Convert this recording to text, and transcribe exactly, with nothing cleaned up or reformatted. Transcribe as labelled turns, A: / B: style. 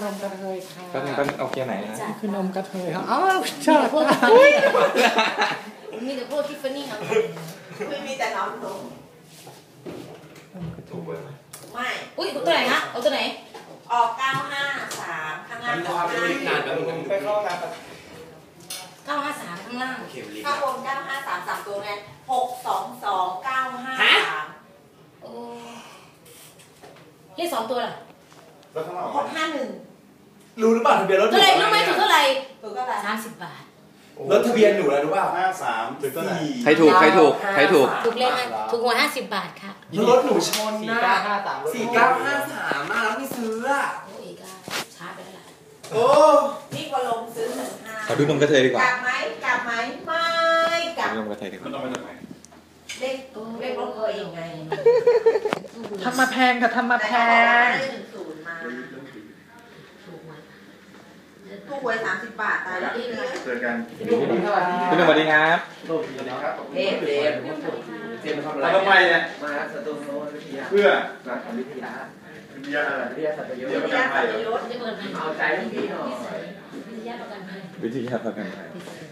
A: นมกระเทยค่ะ
B: ก็เป็นเอาเกียร์ไหนนะ
A: คือนมกระเทยค่ะอ้าวชอบ
C: มีแต่พวกทิฟฟานี่ครับ
D: ไม่มีแต่น้ำนม
B: ถูกไหม
D: ไม่
C: อุ้ยตัวไหนฮะเอาตัวไหน
D: ออกเก้าห้าสามข้างล่าง
E: ก็ห้าไปเข้าน้ำ
C: เก้าห้าสามข้างล่าง
D: ข้างบนเก้าห้าสามสามตัวไงหกสองสองเก้าห้าสาม
C: โอ้เลขสองตัวล่ะ
D: หกห้าหนึ่ง
E: รู้หรือเปล่าทะเบียนรถ
C: เท่าไหร่รู้ไหมถูกเท่าไหร่
D: ถูกเท่าไหร่
C: สามสิบบาท
E: รถทะเบียนหนูแล้วรู้ป่ะ
F: ห้าสามถึงก็ไหน
B: ใครถูกใครถูกใครถูก
C: ถูกเลขถูกหัวห้าสิบบาทค่ะ
E: รถหนูชนนะ
A: สี่เก้าห้าสาม
E: สี่เก้าห้าสามมาแล้วไม่ซื้ออ่ะ
C: โอ้ยก็ช้าไปแล้วล่ะ
E: โอ้
D: นี่ก็ลงซื้อหนึ่งห้า
B: ขอดูนมกระเทยดีกว่าก
D: ลับไหมกลับไหมไม่กลับ
B: นมกระเทยดีกว่า
D: เลขเลขรถเคยยังไง
A: ทำมาแพงค่ะทำมาแพง
D: ศูนย์มาตู้หวยสามสิบบาทตายแล้วนี่เลย
F: เจอกัน
B: คุณสวัสดีครับ
D: เด็ดเด็ด
E: เตรียมทำอะไร
F: ทำไมเนี่ย
E: มาสตูโนวิทยา
F: เพื่อ
E: รักวิทยา
F: วิทยาอะไร
E: วิทยาสัตยศ
D: วิทยาสัตยศ
C: เอาใจพี่หน่อยวิทยาประกันภัย
B: วิทยาประกันภัย